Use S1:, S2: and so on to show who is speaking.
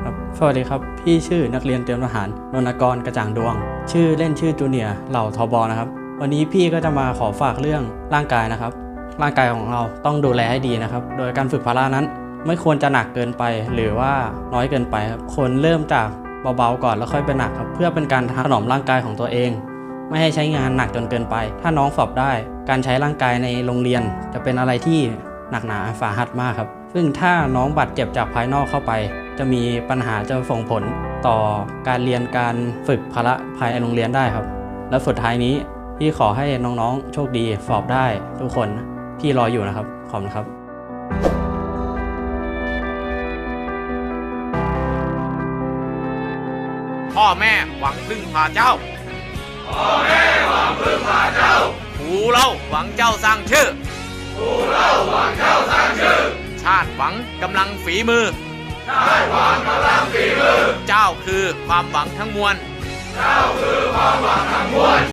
S1: ครับสวัสดีครับพี่ชื่อนักเรียนเตรียมทหารนนทกรกระจ่างดวงชื่อเล่นชื่อจูเนียร์เหล่าทบนะครับวันนี้พี่ก็จะมาขอฝากเรื่องร่างกายนะครับร่างกายของเราต้องดูแลให้ดีนะครับโดยการฝึกพละนั้นไม่ควรจะหนักเกินไปหรือว่าน้อยเกินไปครับควรเริ่มจากเบาๆก่อนแล้วค่อยเป็นหนักครับเพื่อเป็นการถนอมร่างกายของตัวเองไม่ให้ใช้งานหนักจนเกินไปถ้าน้องสอบได้การใช้ร่างกายในโรงเรียนจะเป็นอะไรที่หนักหนาสาหัสมากครับซึ่งถ้าน้องบาดเจ็บจากภายนอกเข้าไปจะมีปัญหาจะส่งผลต่อการเรียนการฝึกพละภายในโรงเรียนได้ครับและสุดท้ายนี้พี่ขอให้น้องๆโชคดีสอบได้ทุกคนพี่รออยู่นะครับขอบคุณครับ
S2: พ่อแม่หวังพึ่งพาเจ้าพ่อแม่หวังพึ่งพาเจ้าปู่เล่าหวังเจ้าสร้างชื่อปู่เล่าหวังเจ้าสร้างชื่อชาติหวังกำลังฝีมือชาติหวังกำลังฝีมือเจ้าคือความหวังทั้งมวลเจ้าคือความหวังทั้งมวล